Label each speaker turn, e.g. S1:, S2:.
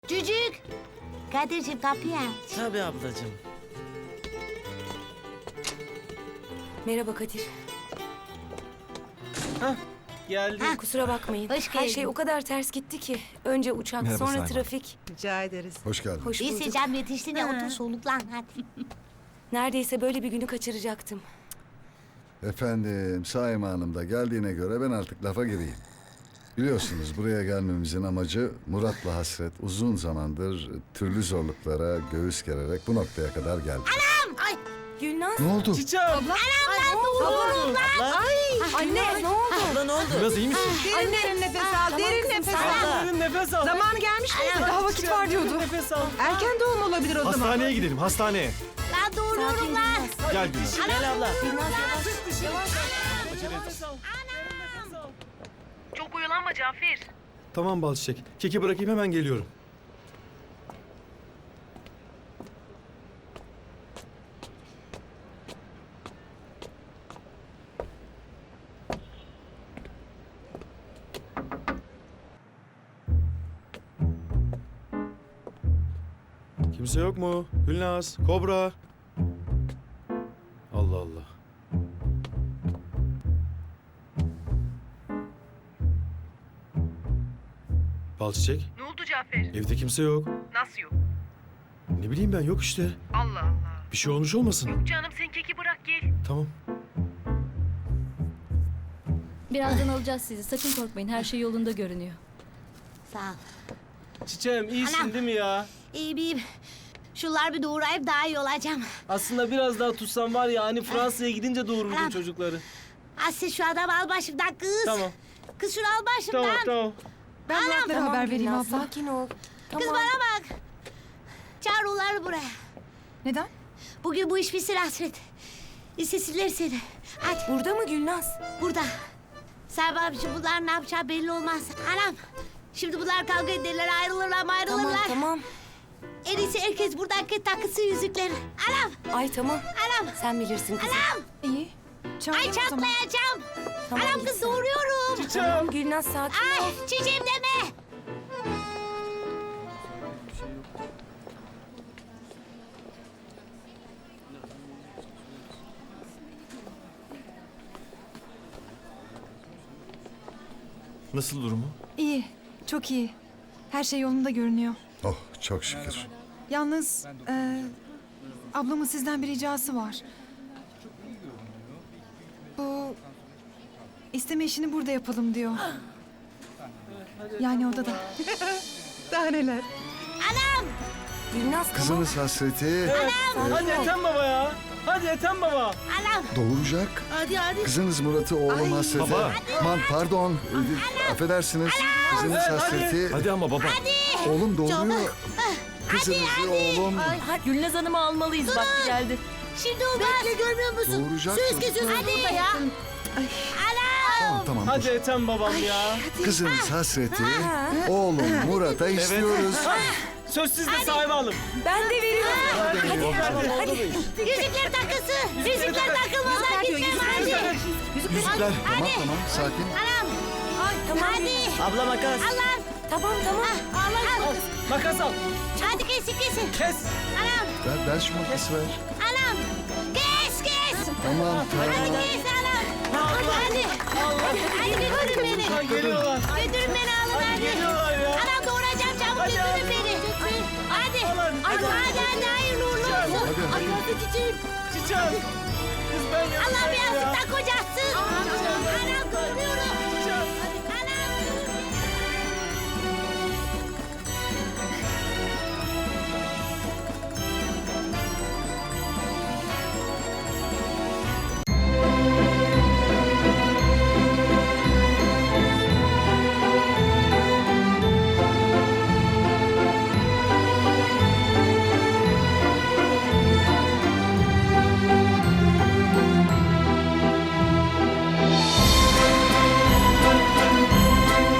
S1: Cücük! Kadir'cim kapıyı aç.
S2: Tabii ablacığım.
S3: Merhaba Kadir.
S2: Hah, geldi.
S3: Kusura bakmayın.
S1: Hoş
S3: Her
S1: geldin.
S3: şey o kadar ters gitti ki. Önce uçak,
S4: Merhaba
S3: sonra
S4: Sayman.
S3: trafik.
S5: Rica ederiz.
S4: Hoş geldin.
S3: Hoş
S1: İyi
S3: bulduk.
S1: Secam yetiştin ya otur soluklan hadi.
S3: Neredeyse böyle bir günü kaçıracaktım.
S4: Efendim, Saime Hanım da geldiğine göre ben artık lafa gireyim. Biliyorsunuz buraya gelmemizin amacı Murat'la Hasret uzun zamandır türlü zorluklara göğüs gererek bu noktaya kadar geldi.
S1: Ay
S3: Gülnaz.
S4: Ne oldu?
S2: Çiçeğim. Abla.
S3: Anne ne oldu?
S2: Abla ne oldu?
S4: Biraz iyi misin?
S5: Derin nefes al, derin nefes al.
S2: Derin nefes al.
S5: Zamanı gelmiş miydi? Daha vakit var diyordu.
S2: Nefes al.
S5: Erken doğum olabilir o zaman.
S6: Hastaneye gidelim, hastaneye.
S1: ben doğuruyorum lan.
S6: Gel Gülnaz.
S2: Gel abla.
S3: Gülnaz yavaş.
S2: Nefes al.
S7: Çok oyalanma Cafer.
S6: Tamam Balçiçek. Keki bırakayım hemen geliyorum. Kimse yok mu? Gülnaz, Kobra. Allah Allah. Balçiçek,
S7: Ne oldu Cafer?
S6: evde kimse yok.
S7: Nasıl yok?
S6: Ne bileyim ben, yok işte.
S7: Allah Allah.
S6: Bir şey olmuş olmasın?
S7: Canım sen keki bırak gel.
S6: Tamam.
S8: Birazdan alacağız sizi. Sakın korkmayın. Her şey yolunda görünüyor.
S1: Sağ ol.
S2: Çiçeğim iyisin
S1: Anam.
S2: değil mi ya?
S1: İyiyim. Şunlar bir doğurayıp daha iyi olacağım.
S2: Aslında biraz daha tutsam var ya hani Fransa'ya gidince doğururdum
S1: Anam.
S2: çocukları.
S1: Asya şu adamı al başımdan kız.
S2: Tamam.
S1: Kız şunu al başımdan.
S2: Tamam tamam.
S5: Ben Murat'lara
S3: Tamam
S5: haber vereyim
S3: Gülnaz,
S5: abla.
S3: sakin ol.
S1: Kız
S3: Tamam.
S1: bana bak. Çağır onları buraya.
S5: Neden?
S1: Bugün bu iş bitsin Hasret. İstesinler seni. Hadi
S3: Burada mı Gülnaz?
S1: burada. Sen babacığım bunlar ne yapacağı belli olmaz. Anam. Şimdi bunlar kavga ederler, ayrılırlar mı
S3: Tamam
S1: ayrılırlar.
S3: tamam.
S1: En iyisi herkes buradaki takısı yüzükleri. Anam,
S3: Ay tamam.
S1: anam,
S3: Sen bilirsin kızım.
S1: anam.
S5: İyi.
S1: Ay çatlayacağım.
S3: Tamam,
S1: Anam
S3: git
S1: kız
S3: sen.
S1: doğuruyorum.
S3: Tamam Gülnaz sakin ol.
S1: Ay çiçeğim deme.
S6: Nasıl durumu?
S9: İyi, çok iyi. Her şey yolunda görünüyor.
S4: Oh, çok şükür.
S9: Yalnız ablamın sizden bir ricası var. Bu isteme işini burada yapalım diyor. Yani odada.
S5: Daha neler?
S1: Anam,
S3: Gülnaz tamam.
S4: Kızınız Hasret'i
S2: Hadi Ethem baba ya. Hadi Ethem baba.
S1: anam.
S4: doğuracak.
S1: Hadi.
S4: Kızınız Murat'ı oğlum Hasret'e...
S6: Baba.
S4: Pardon, affedersiniz. Kızınız Hasret'i
S6: Hadi ama baba.
S4: oğlum doğuruyor. Kızınızı oğlum
S8: Hadi Gülnaz Hanım'ı almalıyız. Vakti geldi.
S1: Şimdi olmaz. Bekle görmüyor musun?
S4: doğuracak.
S1: Söz kesiyorsun burada ya. Anam.
S4: Tamam,
S2: Hadi
S4: dur.
S2: Ethem babam ya.
S4: Kızınız Hasret'i oğlum Murat'a istiyoruz.
S2: Söz sizde sahibi alın.
S3: Ben de veriyorum.
S1: Yüzükler takısı. Yüzükler takılmadan gitmem hadi.
S4: Yüzükler. Tamam, sakin.
S1: Anam.
S3: Tamam.
S1: Hadi.
S2: Abla makas.
S1: Allah.
S3: Tamam tamam.
S1: Allah.
S2: Makas al.
S1: Hadi kesin.
S2: Kes.
S1: Anam.
S4: Ver şu makası ver.
S1: Anam. Kes.
S4: Tamam,
S1: Hadi
S4: tamam.
S1: kes anam. Hadi. Hadi götürün beni.
S2: Ha, geliyorlar.
S1: Götürün beni alın hadi.
S2: Geliyorlar ya.
S1: Anam doğuracağım çabuk
S2: Hadi,
S1: götürün beni. Hadi. Hadi hayırlı uğurlu olsun.
S4: Hadi.
S1: Hadi çiçeğim.
S2: Çiçeğim. Kız ben yapacağım
S1: Allah bir
S2: ya.
S1: yastıktan kocasın. Anam doğuruyorum.